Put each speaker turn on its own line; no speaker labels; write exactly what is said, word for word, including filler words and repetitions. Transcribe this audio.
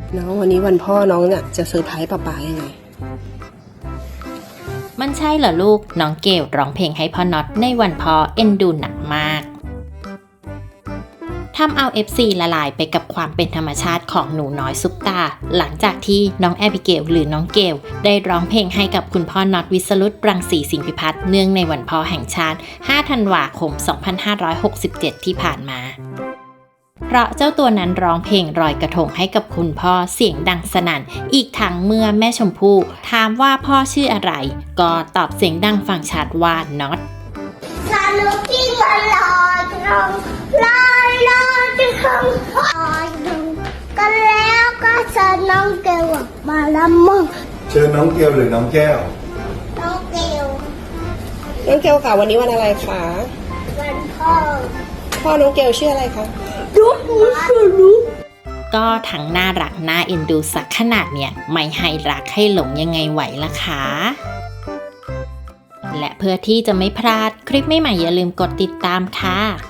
น้องวันนี้วันพ่อน้องเนี่ยจะเซอร์ไพรส์ป๊าป๊ายังไง
มันใช่เหรอลูกน้องเกลร้องเพลงให้พ่อน็อตในวันพ่อเอ็นดูหนักมากทำเอา เอฟ ซี ละลายไปกับความเป็นธรรมชาติของหนูน้อยซุปตาหลังจากที่น้องแอบิเกลหรือน้องเกลได้ร้องเพลงให้กับคุณพ่อน็อตวิสรุตรังสีสิงห์พิพัฒน์เนื่องในวันพ่อแห่งชาติห้าธันวาคมสองพันห้าร้อยหกสิบเจ็ดที่ผ่านมาเพราะเจ้าตัวนั้นร้องเพลงรอยกระทงให้กับคุณพ่อเสียงดังสนั่นอีกทั้งเมื่อแม่ชมพู่ถามว่าพ่อชื่ออะไรก็ตอบเสียงดังฟังชัดว่าน็อต
สนุกที่มันลอยกระทงลอยลอยกระทงลอยกระทงกันแล้วก็เชิญน้องเกลมาละมั่ง
เชิญน้องเกลหรือน้องแก้ว
น้องเกล
น้องเกลค่ะวันนี้วันอะไรคะ
วันพ่อ
พ่อน้องเกลชื่ออะไรคะ
ยุกมุสลุก
ก็ทั้งน่ารักน่าเอ็นดูสักขนาดเนี่ยไม่ให้รักให้หลงยังไงไหวล่ะคะและเพื่อที่จะไม่พลาดคลิปใหม่ๆอย่าลืมกดติดตามค่ะ